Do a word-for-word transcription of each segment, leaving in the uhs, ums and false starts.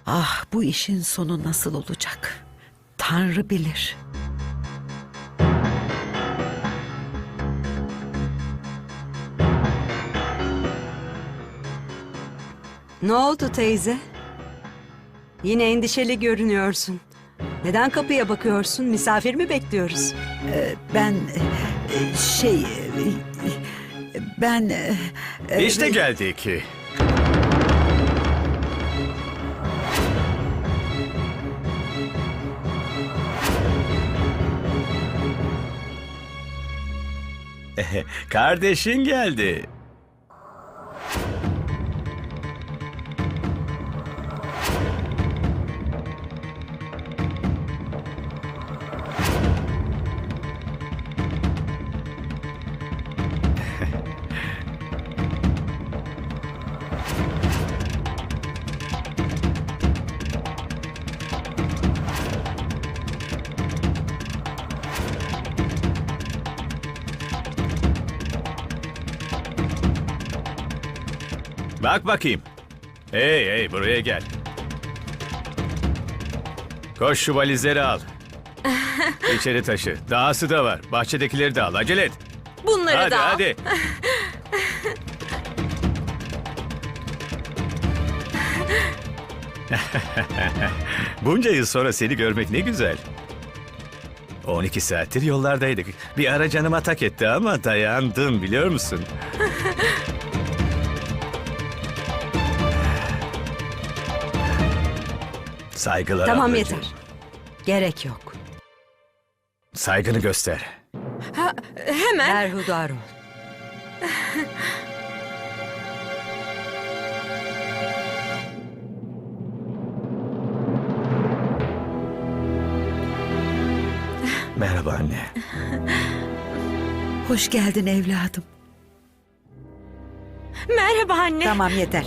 Ah, bu işin sonu nasıl olacak? Tanrı bilir. Ne oldu teyze? Yine endişeli görünüyorsun. Neden kapıya bakıyorsun? Misafir mi bekliyoruz? Ee, ben e, şey e, ben e, İşte geldik. Kardeşin geldi. Bak bakayım. Hey hey buraya gel. Koş şu valizleri al. İçeri taşı. Dahası da var. Bahçedekileri de al. Acele et. Bunları Hadi da al. hadi. Bunca yıl sonra seni görmek ne güzel. on iki saattir yollardaydık. Bir ara canıma tak etti ama dayandım biliyor musun? Saygılar Tamam ablacığım. yeter. Gerek yok. Saygını göster. Ha, hemen. Berhudar ol. Merhaba anne. hoş geldin evladım. Merhaba anne. Tamam yeter.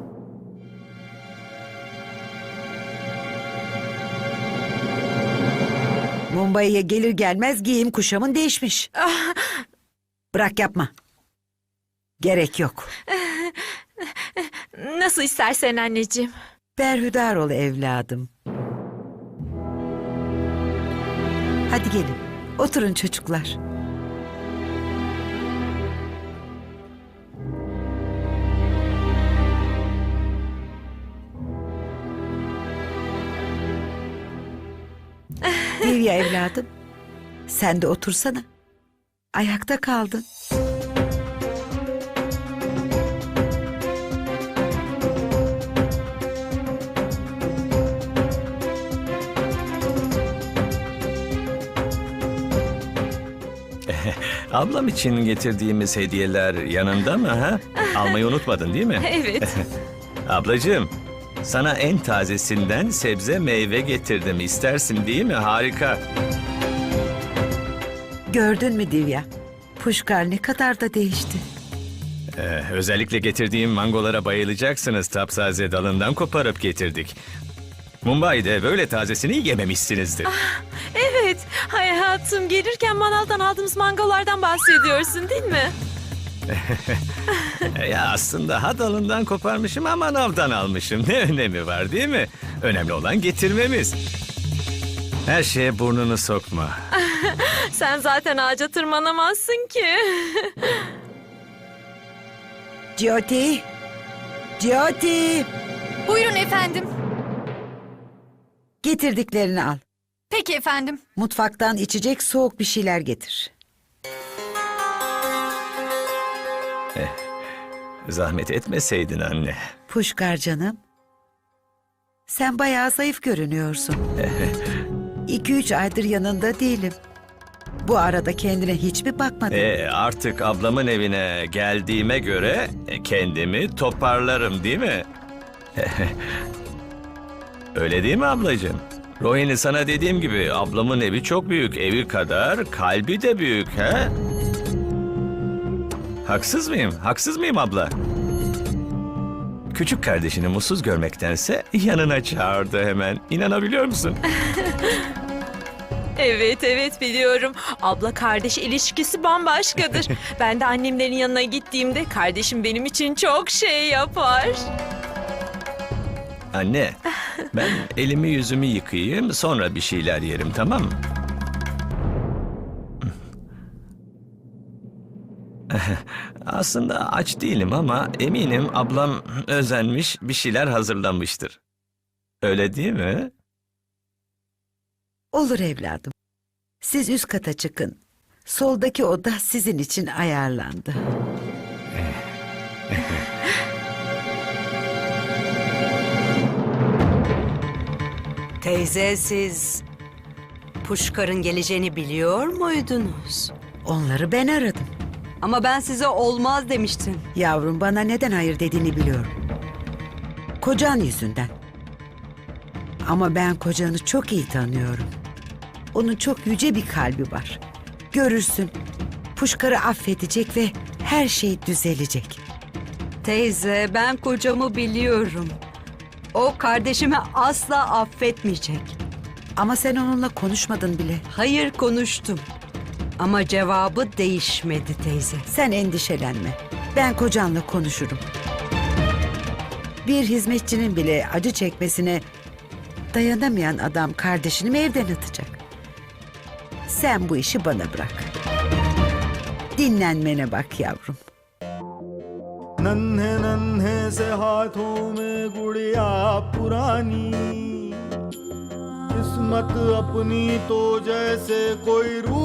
Mumbai'ye gelir gelmez giyim kuşamın değişmiş. Bırak yapma. Gerek yok. Nasıl istersen anneciğim. Berhudar ol evladım. Hadi gelin. Oturun çocuklar. Divya evladım. Sen de otursana. Ayakta kaldın. Ablam için getirdiğimiz hediyeler yanında mı ha? Almayı unutmadın değil mi? Evet. Ablacığım, sana en tazesinden sebze meyve getirdim. İstersin değil mi? Harika. Gördün mü Divya? Puşkar ne kadar da değişti. Ee, özellikle getirdiğim mangolara bayılacaksınız. Taptaze dalından koparıp getirdik. Mumbai'de böyle tazesini yememişsinizdir. Evet. Hayatım, gelirken manavdan aldığımız mangolardan bahsediyorsun değil mi? E, ya aslında ha dalından koparmışım ama manavdan almışım. Ne önemi var değil mi? Önemli olan getirmemiz. Her şeye burnunu sokma. Sen zaten ağaca tırmanamazsın ki. Jyoti! Jyoti! Buyurun efendim. Getirdiklerini al. Peki efendim. Mutfaktan içecek soğuk bir şeyler getir. Zahmet etmeseydin anne. Puşkar canım. Sen bayağı zayıf görünüyorsun. İki üç aydır yanında değilim. Bu arada kendine hiç mi bakmadın? E, artık ablamın evine geldiğime göre e, kendimi toparlarım değil mi? Öyle değil mi ablacığım? Rohini sana dediğim gibi ablamın evi çok büyük. Evi kadar kalbi de büyük he? Haksız mıyım? Haksız mıyım abla? Küçük kardeşini mutsuz görmektense yanına çağırdı hemen. İnanabiliyor musun? Evet evet biliyorum. Abla kardeş ilişkisi bambaşkadır. Ben de annemlerin yanına gittiğimde kardeşim benim için çok şey yapar. Anne, Ben elimi yüzümü yıkayayım, sonra bir şeyler yerim, tamam mı? Aslında aç değilim ama eminim ablam özenmiş, bir şeyler hazırlamıştır. Öyle değil mi? Olur evladım. Siz üst kata çıkın. Soldaki oda sizin için ayarlandı. Teyze, siz Puşkar'ın geleceğini biliyor muydunuz? Onları ben aradım. Ama ben size olmaz demiştim. Yavrum, bana neden hayır dediğini biliyorum. Kocan yüzünden. Ama ben kocanı çok iyi tanıyorum. Onun çok yüce bir kalbi var. Görürsün. Puşkar'ı affedecek ve her şey düzelecek. Teyze, ben kocamı biliyorum. O kardeşimi asla affetmeyecek. Ama sen onunla konuşmadın bile. Hayır, konuştum. Ama cevabı değişmedi teyze. Sen endişelenme. Ben kocanla konuşurum. Bir hizmetçinin bile acı çekmesine dayanamayan adam kardeşini mi evden atacak? Sen bu işi bana bırak. Dinlenmene bak yavrum. नन्हे नन्हे से हाथों में गुड़िया पुरानी किस्मत अपनी तो जैसे कोई रू